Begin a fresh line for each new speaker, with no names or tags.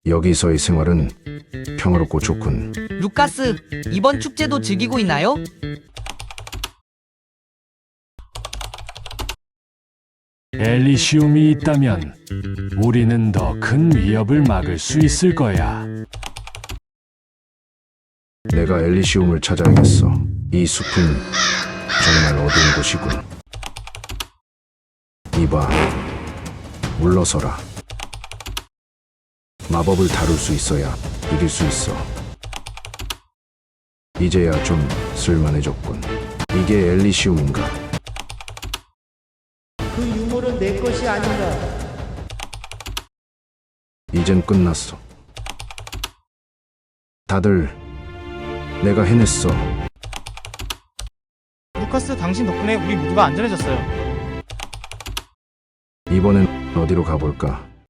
여기서의 생활은 평화롭고 좋군.
루카스, 이번 축제도 즐기고 있나요?
엘리시움이 있다면 우리는 더 큰 위협을 막을 수 있을 거야.
내가 엘리시움을 찾아야겠어. 이 숲은 정말 어두운 곳이군. 이봐, 물러서라. 마법을 다룰 수 있어야 이길 수 있어. 이제야 좀 쓸만해졌군. 이게 엘리시움인가?
그 유물은 내 것이 아닌가?
이젠 끝났어. 다들 내가 해냈어.
루카스, 당신 덕분에 우리 모두가 안전해졌어요.
이번엔 어디로 가볼까?